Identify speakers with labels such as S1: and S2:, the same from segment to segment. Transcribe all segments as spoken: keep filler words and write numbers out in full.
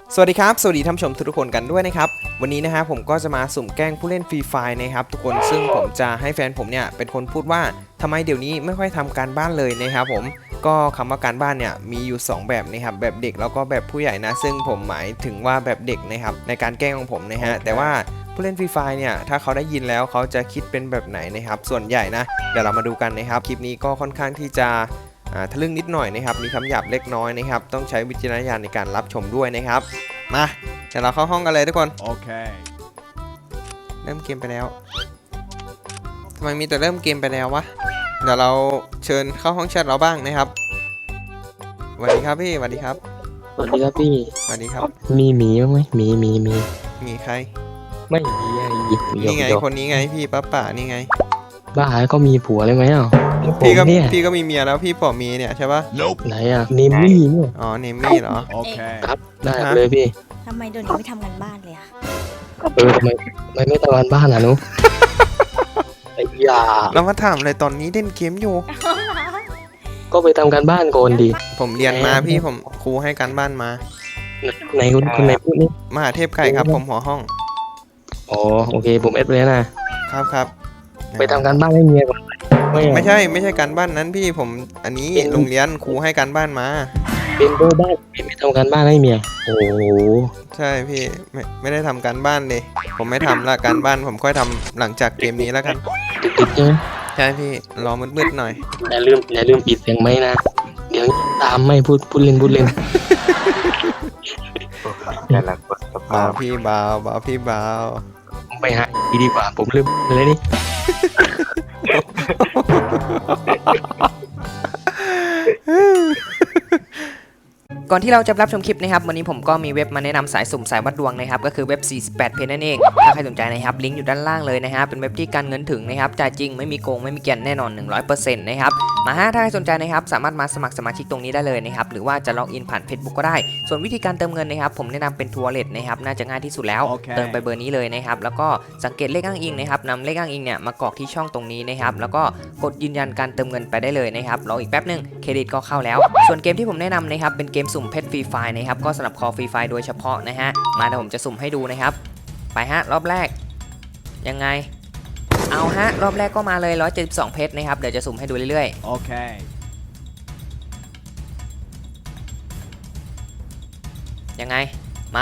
S1: สวัสดีครับสวัสดีท่านผู้ชมทุกคนกันด้วยนะครับวันนี้นะฮะผมก็จะมาสุ่มแกล้งผู้เล่นฟรีไฟนะครับทุกคนซึ่งผมจะให้แฟนผมเนี่ยเป็นคนพูดว่าทำไมเดี๋ยวนี้ไม่ค่อยทำการบ้านเลยนะครับผมก็คำว่าการบ้านเนี่ยมีอยู่สองแบบนะครับแบบเด็กแล้วก็แบบผู้ใหญ่นะซึ่งผมหมายถึงว่าแบบเด็กนะครับในการแกล้งของผมนะฮะแต่ว่าผู้เล่นฟรีไฟเนี่ยถ้าเขาได้ยินแล้วเขาจะคิดเป็นแบบไหนนะครับส่วนใหญ่นะเดี๋ยวเรามาดูกันนะครับคลิปนี้ก็ค่อนข้างที่จะทะลึ่งนิดหน่อยนะครับมีคำหยาบเล็กน้อยนะครับต้องใช้วิจารณญาณในการรับชมด้วยนะครับมาเดี๋ยวเราเข้าห้องกันเลยทุกคนโอเคเริ่มเกมไปแล้วทำไมมีแต่เริ่มเกมไปแล้ววะเดี๋ยวเราเชิญเข้าห้องแชทเราบ้างนะครับสวัสดีครับพี่สวัสดีครับ
S2: สวัสดีครับพี่
S1: สวัสดีครับ
S2: มีหมีบ้างไหมหมีหมีมี
S1: มีใคร
S2: ไม่มีไง
S1: นี่ไงคนนี้ไงพี่ป้าป่านี่ไง
S2: บ้าก็มีผัวเลยไหมอ่ะ
S1: พี่ก็พี่ก็มีเมียแล้วพี่ปอมีเนี่ยใช่ปะ
S2: ไหนอ่ะเนมมี่เนี่ย
S1: อ๋อเนมมี่เหรอ
S3: โอเค
S2: ครับได้เลยพี่
S3: ทำไมเดี๋ยวนี้ไม่ทำกันบ้านเลยอะ
S2: เออทำไมไม่ไม่ทำงานบ้านอ่ะนุ๊กไอ้ยา
S1: เรามาถามเลยตอนนี้เล่นเกมอยู่
S2: ก็ไปทำการบ้านก่อนดี
S1: ผมเรียนมาพี่ผมครูให้การบ้านมา
S2: ไหนคุณคุณไหนพูดนี่
S1: มหาเทพไก่ครับผมหัวห้อง
S2: อ๋อโอเคผมเอสไปแล้วนะครับ
S1: ครับ
S2: ไปทำการบ้านให้เมียก่อน
S1: ไม่ใช่ไม่ใช่การบ้านนั้นพี่ผมอันนี้โรงเรียนครูให้การบ้านมา
S2: เป็นโบบ้านไม่ทำการบ้านให้เมียโอ้
S1: ใช่พี่ไม่ไม่ได้ทำการบ้านเลยผมไม่ทำละการบ้านผมค่อยทำหลังจากเกมนี้แล้วกัน
S2: ติดๆใช่ไหม
S1: ใช่พี่รอมืดๆหน่อย
S2: อย่าลืมอย่าลืมปิดเสียงไหมนะเดี๋ยวตามไม่พูดพูดเล่นพูดเล่น
S1: แต่ละคนเบาพี่เบาเบาพี่เบา
S2: ไปหาดีดีกว่าผมลืมเลยนี่
S4: ก่อนที่เราจะรับชมคลิปนะครับวันนี้ผมก็มีเว็บมาแนะนำสายสุ่มสายวัดดวงนะครับก็คือเว็บสี่สิบแปดเพจนั่นเองถ้าใครสนใจนะครับลิงก์อยู่ด้านล่างเลยนะฮะเป็นเว็บที่การเงินถึงนะครับจ่ายจริงไม่มีโกงไม่มีเกียนแน่นอน หนึ่งร้อยเปอร์เซ็นต์ นะครับมาฮะถ้าใครสนใจนะครับสามารถมาสมัครสมาชิกตรงนี้ได้เลยนะครับหรือว่าจะล็อกอินผ่าน Facebook ก็ได้ส่วนวิธีการเติมเงินนะครับผมแนะนำเป็นทัวร์เลทนะครับน่าจะง่ายที่สุดแล้ว
S1: okay.
S4: เติมไปเบอร์นี้เลยนะครับแล้วก็สังเกตเลขอ้างอิงนะครับนำเลขอ้างอิงเนี่ยมากรอกที่ช่องตรงนี้นะครับแล้วก็กดยืนยันการเติมเงินไปได้เลยนะครับรออีกแป๊บนึงเครดิตก็เข้าแล้วส่วนเกมที่ผมแนะนำนะครับเป็นเกมสุ่มเพชรฟรีไฟนะครับก็สำหรับคอฟรีไฟโดยเฉพาะนะฮะมาเดี๋ยวผมจะสุ่มให้ดูนะครับไปฮะรอบแรกยังไงเอาฮะรอบแรกก็มาเลยหนึ่งร้อยเจ็ดสิบสองเพชรนะครับเดี๋ยวจะสุ่มให้ดูเรื่อยๆโอเคยังไงมา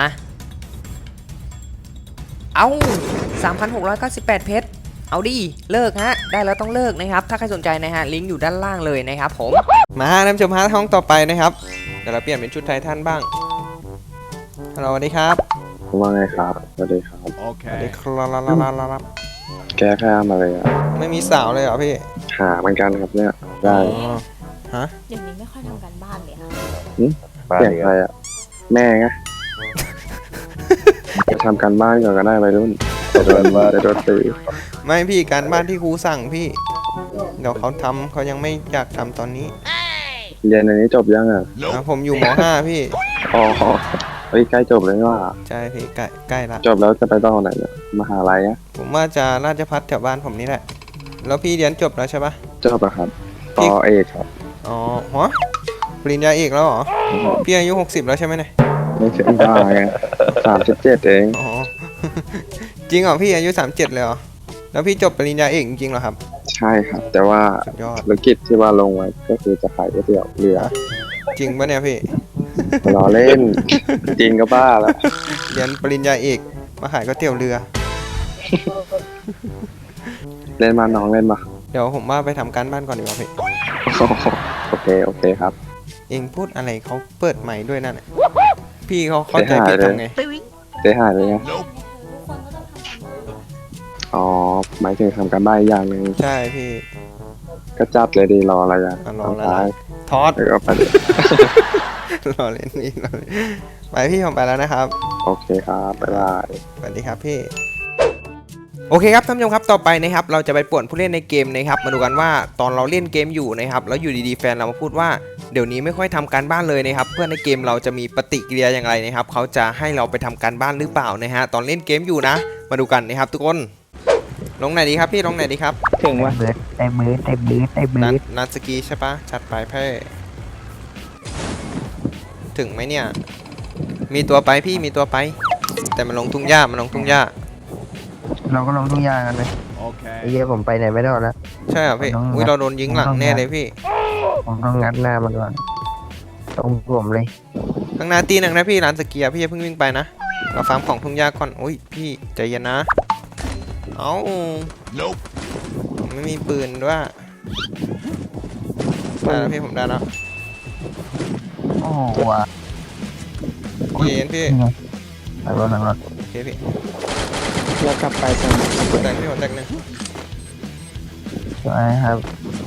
S4: เอา สามพันหกร้อยเก้าสิบแปด เพชรเอาดิเลิกฮะได้แล้วต้องเลิกนะครับถ้าใครสนใจนะฮะลิงก์อยู่ด้านล่างเลยนะครับผม
S1: มาท่านผู้ชมฮะห้องต่อไปนะครับเดี๋ยวเราเปลี่ยนเป็นชุดไททันบ้างฮัลโหลสวัสดีครับ
S5: ว่าไงครับสวัสดีครับ
S1: โอเคสวัสดีครับ
S5: แก้ผ้ามาเลยอ่ะ
S1: ไม่มีสาวเลยเหรอพี่
S5: หาเหมือนกันครับเนี่ยได้
S1: ฮะ
S3: เดี๋ยวนี้ไม่ค่อยทำกันบ้านเลยค่ะ
S5: เปลี่ยนใครอ่ะแม่ไงจะทำการบ้านก่อนก็ได้ไปรุ่นจะโดนว่าจะโดนตี
S1: ไม่พี่การบ้านที่ครูสั่งพี่เดี๋ยวเขาทำเขายังไม่อยากทำตอนนี้
S5: เรียนอันนี้จบยังอ่ะ
S1: ผมอยู่ม.ห้า พี่
S5: อ๋อเฮ้ยใกล้จบเลยว่า
S1: ใช่พี่ใกล้ใกล้ละ
S5: จบแล้วจะไปต่อไหนเนี่ยมหาลัยอ่ะ
S1: ผมว่าจะราชภัฏแถวบ้านผมนี่แหละแล้วพี่เรียนจบแล้วใช่ปะ
S5: จบแล้วครับต่อเอกครับ
S1: อ๋อหัวปริญญาเอกแล้วเหรอพี่อายุหกสิบแล้วใช่ไหมเนี่ย
S5: ไม่ใช่บ้าไงสามสิบเจ็ดเอง
S1: อ๋อจริงเหรอพี่อายุสามเจ็ดเลยเหรอแล้วพี่จบปริญญาเอกจริงเหรอครับ
S5: ใช่ครับแต่ว่าธุรกิจที่ว่าลงไว้ก็คือจะขายก๋วยเตี๋ยวเรือ
S1: จริงปะเนี่ยพี่
S5: ล้อเล่นจริงก็บ้าแล้ว
S1: เรียนปริญญาเอกมาขายก๋วยเตี๋ยวเรือ
S5: เล่นมาน้องเล่นมา
S1: เดี๋ยวผมว่าไปทำการบ้านก่อนดีกว่าพี่
S5: โอเคโอเคครับ
S1: เองพูดอะไรเขาเปิดใหม่ด้วยนั่นพี่เขาเข้าใจผิดทำไง
S5: เสียหายเลยไงอ๋อหมายถึงทำการบ้านอย่างหนึ่ง
S1: ใช่พี่
S5: ก็จับเลยดีรออะไรอ่ะ
S1: รออะไรทอด
S5: แล้วก็ไป
S1: รอเล่นนี่ไปพี่ผมไปแล้วนะครับ
S5: โอเคครับบ๊ายบาย
S1: สวัสดีครับพี่โอเคครับท่านผู้ชมครับต่อไปนะครับเราจะไปป่วนผู้เล่นในเกมนะครับมาดูกันว่าตอนเราเล่นเกมอยู่นะครับแล้วอยู่ดีๆแฟนเรามาพูดว่าเดี๋ยวนี้ไม่ค่อยทำการบ้านเลยนะครับเพื่อนในเกมเราจะมีปฏิกิริยาอย่างไรนะครับเขาจะให้เราไปทำการบ้านหรือเปล่านะฮะตอนเล่นเกมอยู่นะมาดูกันนะครับทุกคนลงไหนดีครับพี่ลงไหนดีครับ
S2: ถึงว่าเบิร์ดได้เบิร์ดได้เบิร์ดได้เบิร์ด
S1: นัดสกีใช่ปะจัดไปเพ่ถึงไหมเนี่ยมีตัวไปพี่มีตัวไป แต่มันลงทุ่งหญ้ามันลงทุ่งหญ้า
S2: เราก็ลงทุ่งหญ้ากันเลยไอ้เหี้ยผมไปไหนไม่ได้แล้ว
S1: ใช่เหรอพี่อุ้ยเราโดนยิงหลังแน่เลยพี่
S2: ผมต้องงัดหน้ามันก่อนตรงผมเลย
S1: ข้างหน้าตีหนึ่งนะพี่ร้านสเกียร์พี่อย่าเพิ่งวิ่งไปนะเราฟาร์มของทุ่งหญ้าก่อนอุ้ยพี่ใจเย็นนะเอ้าผมไม่มีปืนด้วยได้แล้วพี่ผมได้แล้ว
S2: โอ้โหว่ะ
S1: พี่เย็นพี่
S2: หลังรถหลังรถ
S1: โอเคพี่
S5: แล้วกลับไปตรง
S1: หัวแตกพี่หัวแตกหนึ่ง
S2: สวยครับ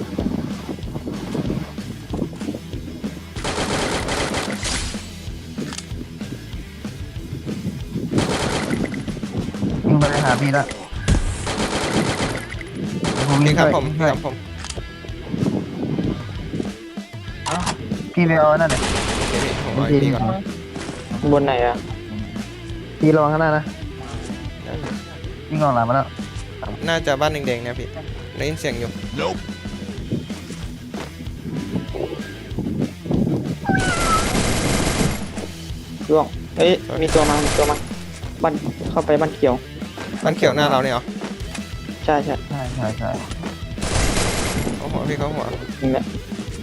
S2: วิ่งไปเลยหาพี่ละผมวิ่
S1: พี่
S2: ง
S1: ครับ
S2: ด้วย
S1: ผมพี่ครับผม
S2: พี่ไปเอานั่นเลย
S1: โอเคพี่ผมเอาไอ้พี่ก่อน
S5: บนไหนอ่ะ
S2: พี่ระวังข้างหน้านะวิ่งออกหลังมาแล้ว
S1: น่าจะบ้านแดงๆเนี่ยพี่ได้ยินเสียงอยู่
S6: ร่วงเอ้ย มีตัวมา มีตัวมา บ้าน เข้าไปบ้านเขียว
S1: บ้านเขียวหน้าเราเนี่ยเหรอ
S6: ใช่ใช่
S2: ใช่ใช่ใช่
S1: เขาหัวพี่เขาหัว
S6: นี่แหละ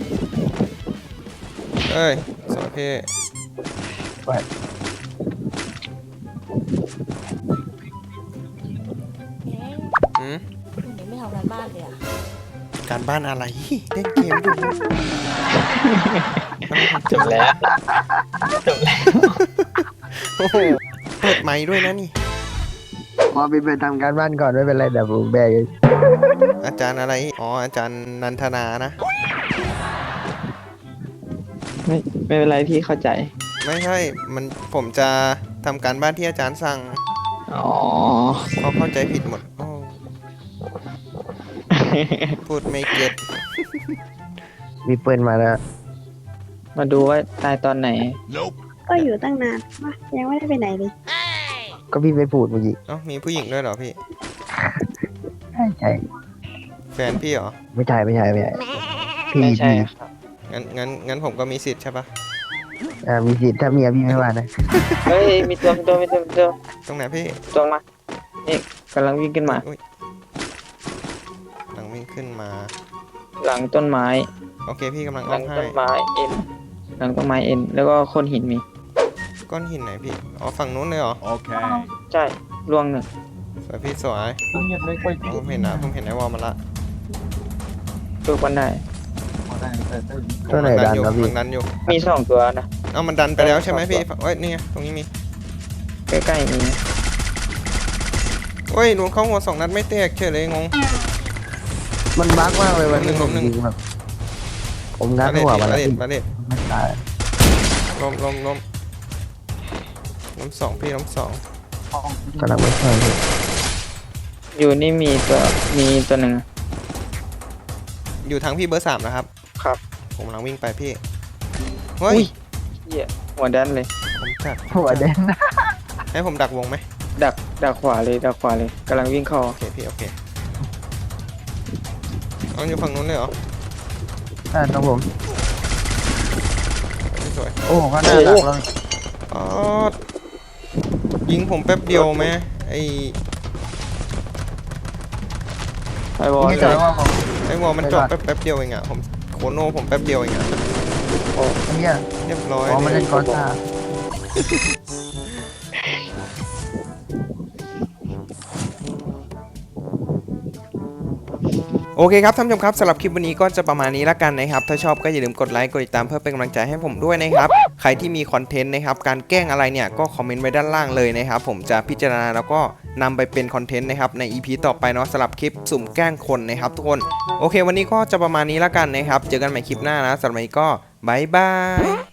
S1: เอ้ยสวยพี่
S2: ไป
S3: เอ๊ะ
S1: อืม
S3: เดี๋ยวนี้ไม่ทำกันบ้านเลยอะ
S1: การบ้านอะไรเล่นเกมอยู่
S6: จบแล้ว
S1: โอ้โหเปิดไมค์ด้วยนะนี่
S2: พอพี่ไปทำการบ้านก่อนไม่เป็นไรเดี๋ยวผมแบกเอง
S1: อาจารย์อะไรอ๋ออาจารย์นันทนานะ
S6: ไม่ ไม่เป็นไรพี่เข้าใจ
S1: ไม่ใช่ มันผมจะทำการบ้านที่อาจารย์สั่ง
S6: อ๋อ
S1: เขาเข้าใจผิดหมดโอ้พูดไม่เก็ต
S2: มีปืนมาแล้ว
S6: มาดูว่าตายตอนไหน
S7: ก็อยู่ตั้งนานวะยังไม่ได้ไปไหนเลย
S2: ก็พี่ไปพูดเมื่อกี้
S1: เอ้ามีผู้หญิงด้วยเหรอพี่
S2: ใช่ใช่
S1: แฟนพี่เหรอ
S2: ไม่ใช่ไม่ใช่ไม่ใช่พี่
S6: ไม่ใช่
S2: พี่
S6: ครับ
S1: งั้นงั้นงั้นผมก็มีสิทธิ์ใช่ปะ
S2: อ่ามีสิทธิ์ถ้าเมียพี่ไม่ว่านะ
S6: เฮ้ย มีตัว มีตัว มีตัวมีตัว
S1: ตรงไหนพี่
S6: ตัวมา นี่กำลังวิ่งขึ้นมา
S1: อุ๊ยหลังวิ่งขึ้นมา
S6: หลังต้นไม้
S1: โอเคพี่กำลัง
S6: ห
S1: อ้
S6: ลั
S1: อง มให้
S6: ต้นไม้เอ็น หลังต้นไม้เอ็น แล้วก็โคนหินมี
S1: ก้อนหินไหนพี่อ๋อฝั่งนู้นเลยเหรอ
S6: ใช่ล่วงหนึ่ง
S1: สวยพี่สวยผมเห็นนะผมเห็นไอ้วอลมาละ
S6: ตัวกันได้
S2: ตัวไหนดัน
S1: อยู่
S2: ครับพี่
S1: มันดันอยู่
S6: มีสองตัวนะ
S1: เอ้ามันดันไปแล้วใช่ไหมพี่เอ้ยนี่ไงตรงนี้มี
S6: ใกล้ๆมี
S1: เฮ้ยหนูเข้าหัวสองนัดไม่แตกเฉยเลยงง
S2: มันบั๊กมากเลยวันนี้
S1: หนึ่
S2: ผ
S1: ง
S2: ม
S1: หนึ่ง
S2: ยิงแบบผมงั
S1: มา
S2: ด
S1: เด็ด
S2: หัว
S1: มา
S2: มาแล้ว
S1: เด็ด
S2: พี่
S1: มาเด็ด
S2: ไม่ตาย
S1: ลมลมลมลมสองพี่ลมสอง
S2: กำลังไม่ช่วยพี่
S6: อยู่นี่มีตัว มีตัวหนึ่ง
S1: อยู่ทางพี่เบอร์สามนะครับ
S6: ครับ
S1: ผมกำลังวิ่งไปพี่เฮ้ย
S6: อุ้ย เหี้ยหัวด้านเลย
S1: ผมจัด
S2: หัวแดงนะ
S1: ให้ผมดักวงไหม
S6: ดัก ดักขวาเลย ดักขวาเลยกำลังวิ่งเข้า
S1: โอเคพี่โอเคเอาอยู่ฝั่งนู้นเลยเหรอ
S2: อ่าตรงผม
S1: ไม่สวย
S2: โอ้ก็น่ารักเรา
S1: อ๋อยิงผมแป๊บเดียวไหมไอ
S6: ไอบอล
S2: ไม่
S6: เล
S2: ใช่
S6: ย
S2: ว่าผม
S1: ไอวอลมันเจาะแป๊บแป๊บเดียวเองอะผมโคโน่ผมแป๊บเดียวเองอะ
S2: เนี่ย
S1: เรียบร้อย
S2: อ๋อมัน
S1: เล
S2: เล่
S1: ย
S2: นกอซ่า
S1: โอเคครับท่านผู้ชมครับสำหรับคลิปวันนี้ก็จะประมาณนี้ละกันนะครับถ้าชอบก็อย่าลืมกดไลค์กดติดตามเพื่อเป็นกำลังใจให้ผมด้วยนะครับใครที่มีคอนเทนต์นะครับการแกล้งอะไรเนี่ยก็คอมเมนต์ไว้ด้านล่างเลยนะครับผมจะพิจารณาแล้วก็นำไปเป็นคอนเทนต์นะครับใน อี พี ต่อไปเนาะสำหรับคลิปสุ่มแกล้งคนนะครับทุกคนโอเควันนี้ก็จะประมาณนี้ละกันนะครับเจอกันใหม่คลิปหน้านะสำหรับวันนี้ก็บายบาย